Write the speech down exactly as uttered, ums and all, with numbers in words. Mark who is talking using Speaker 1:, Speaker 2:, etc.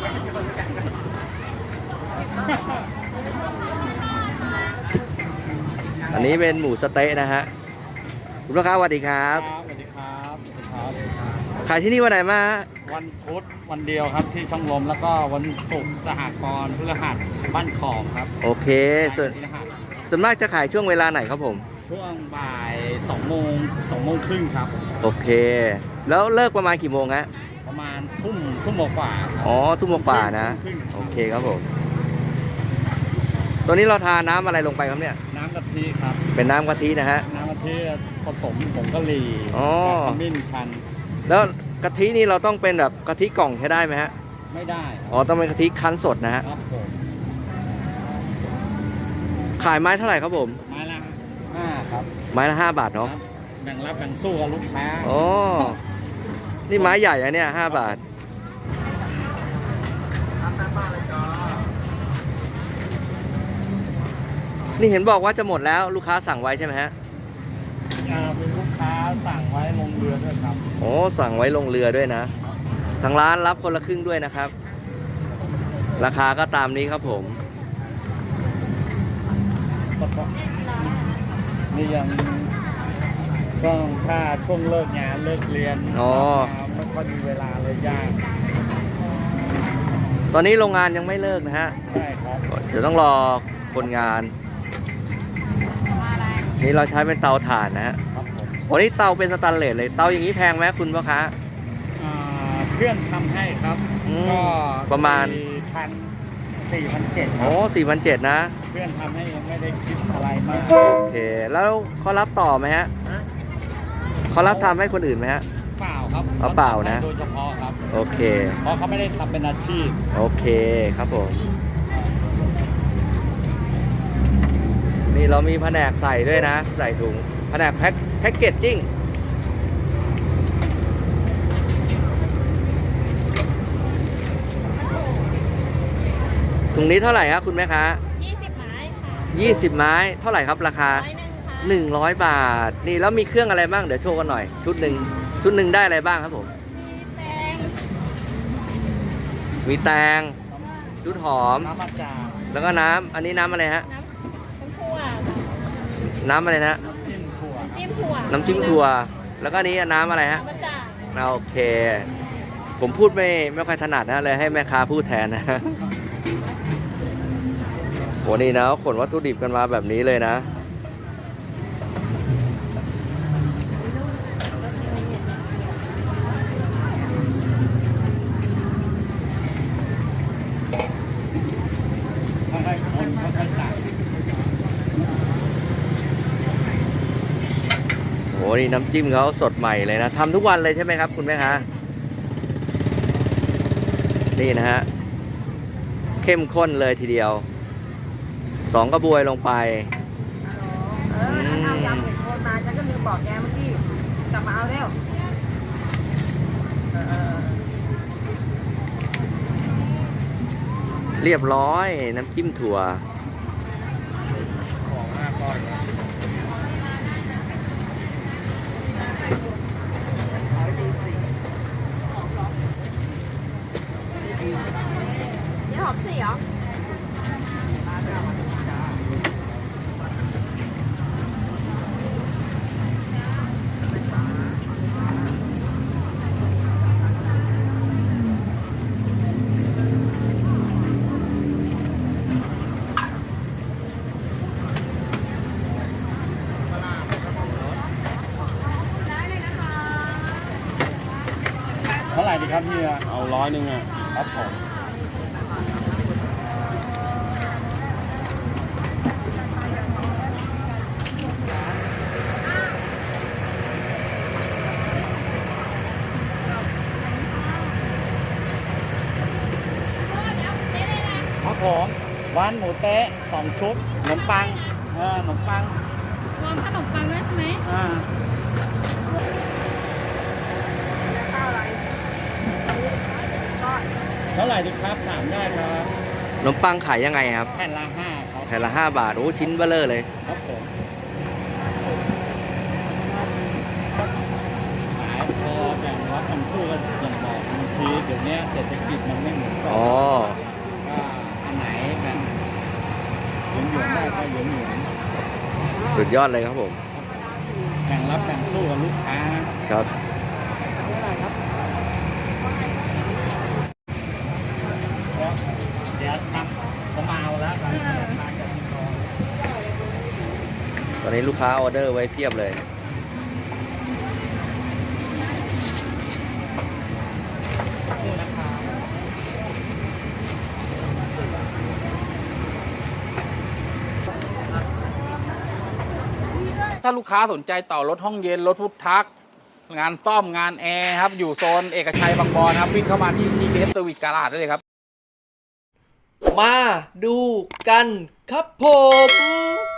Speaker 1: อันนี้เป็นหมูสะเต๊ะนะฮะคุณลูกค้าสวัสดีครับ
Speaker 2: สวัสดีครับสวัสดีครับ
Speaker 1: ขายที่นี่วันไหนมา
Speaker 2: วันพุธวันเดียวครับที่ช่องลมแล้วก็วันศุกร์สหกรณ์พฤหัสบ้านขอบครับ
Speaker 1: โอเคส่วนส่วนมากจะขายช่วงเวลาไหนครับผม
Speaker 2: ช่วงบ่ายสองโมงสองโมงครึ่งครับ
Speaker 1: โอเคแล้วเลิกประมาณกี่โมงฮะ
Speaker 2: ประมาณทุ่มทุ่มกว่า
Speaker 1: อ๋อทุ่มกว่านะโอเคครับผมตัวนี้เราทาน้ำอะไรลงไปครับเนี่ย
Speaker 2: น้ำกะทิครับ
Speaker 1: เป็นน้ำกะทินะฮะ
Speaker 2: น้ำกะทิผสมผงกะหรี่กับขมิ้นชัน
Speaker 1: แล้วกะทินี่เราต้องเป็นแบบกะทิกล่องใช้ได้ไหมฮะ
Speaker 2: ไม่ได้
Speaker 1: อ๋อต้องเป็นกะทิคั้นสดนะฮะ
Speaker 2: ครับผม
Speaker 1: ขายไม้เท่าไหร่ครับผม
Speaker 2: ไม้ละห้าครับ
Speaker 1: ไม้ละห้าบาทเนาะ
Speaker 2: แบ่งรับแบ่งสู้กับลูกค้า
Speaker 1: อ๋อนี่ไม้ใหญ่อะเนี่ยห้าบาทนี่เห็นบอกว่าจะหมดแล้วลูกค้าสั่งไว้ใช่ไหมฮะ
Speaker 2: เป็นลูกค้าสั่งไว้ลงเรือด้วยครับ
Speaker 1: โอ้สั่งไว้ลงเรือด้วยนะทางร้านรับคนละครึ่งด้วยนะครับราคาก็ตามนี้ครับผม
Speaker 2: นี่ยังช่วงถ้าช่วงเลิกงานเลิกเรียน
Speaker 1: อ๋อ
Speaker 2: ไม่ค่อยมีเวลาเลยยาก
Speaker 1: ตอนนี้โรงงานยังไม่เลิกนะฮะ
Speaker 2: ใช่ครับ
Speaker 1: เดี๋ยวต้องรอคนงานนี่เราใช้เป็นเตาถ่านนะฮะโอ้นี่เตาเป็นสแตนเลสเลยเตาอย่างนี้แพงไหมคุณพ่อค้า
Speaker 2: เพื่อนทำให้ครับก็
Speaker 1: ประมาณ
Speaker 2: พันสี่พันเจ็ด
Speaker 1: โอ้สี่พันเจ็ดนะ
Speaker 2: เพื่อนทำให้ไม่ได้คิดอะไรมาก
Speaker 1: โอเคแล้วเขารับต่อไหมฮะเขารับทำให้คนอื่นไหมฮะ
Speaker 2: เปล่าครับ
Speaker 1: เอาเปล่านะ
Speaker 2: โดยเฉพาะครับ
Speaker 1: โอเค
Speaker 2: เพราะเขาไม่ได้ทำเป็นอาชีพ
Speaker 1: โอเคครับผมนี่เรามีแผนกใส่ด้วยนะใส่ถุงแผนกแพ็คแพ็คเกจจิ้งถุงนี้เท่าไหร่ครับคุณแม่ค้า
Speaker 3: ยี่สิบไม้ค่ะ
Speaker 1: ยี่สิบไม้เท่าไหร่ครับราคาหนึ่งร้อยบาทนี่แล้วมีเครื่องอะไรบ้างเดี๋ยวโชว์กันหน่อยชุดหนึ่งชุดหนึ่งได้อะไรบ้างครับผมมีแตงชุดหอม
Speaker 2: น้ำมะจาง
Speaker 1: แล้วก็น้ำอันนี้น้ำอะไรฮะน้ำอะไรนะน้ำจิ้มถั่วแล้วก็นี้น้ำอะไรฮะโอเคผมพูดไม่ไม่ค่อยถนัดนะเลยให้แม่ค้าพูดแทนนะโหนี่นะขนวัตถุดิบกันมาแบบนี้เลยนะโอ้นี่น้ำจิ้มเขาสดใหม่เลยนะทำทุกวันเลยใช่ไหมครับคุณแม่คะนี่นะฮะเข้มข้นเลยทีเดียวสองกระบวยลงไป
Speaker 3: เออฉันเอายำเห็ดโคนมาฉันก็ลืมบอกแกเมื่อกี้กลับมาเอาเร็ว
Speaker 1: เรียบร้อยน้ำจิ้มถั่ว
Speaker 3: นี่หอมสีเหรอ
Speaker 2: เท่าไหร่ดีครับพี่เอาร้อยหนึ่งอ่ะครับผมครับผมหวานหมูเต๊ะสองชุดขนมปังเออขนมปัง
Speaker 3: รวมขนมปังด้วยใช่ไหม
Speaker 2: อ่าเท่าไหร่ดีครับถามได้ครับ
Speaker 1: ขนมปังขายยังไงครับ
Speaker 2: แผ่นละห้าครับ
Speaker 1: แผ่นละห้าบาทโอ้ชิ้นเบ้อเร่อเลย
Speaker 2: ครับผมขายพอแบ่งรับทำสู้กันอย่างบอกบางทีเดี๋ยวนี้เศรษฐกิจมันไม่เหมือนก่อน
Speaker 1: อ๋อ
Speaker 2: ก็เหลืองเหลือง
Speaker 1: สุดยอดเลยครับผม
Speaker 2: แบ่งรับแบ่งสู้กับลูกค้า
Speaker 1: ครับ
Speaker 2: เดี๋ยวทำผมเอาแล้ว
Speaker 1: ตอนนี้ลูกค้าออเดอร์ไว้เพียบเลย
Speaker 2: คู่นะครับ
Speaker 4: ถ้าลูกค้าสนใจต่อรถห้องเย็นรถพุทธักงานซ่อมงานแอร์ครับอยู่โซนเอกชัยบางบอนครับวิ่งเข้ามาที่ ที พี เอส Service Garage ได้เลยครับ
Speaker 1: มาดูกันครับผม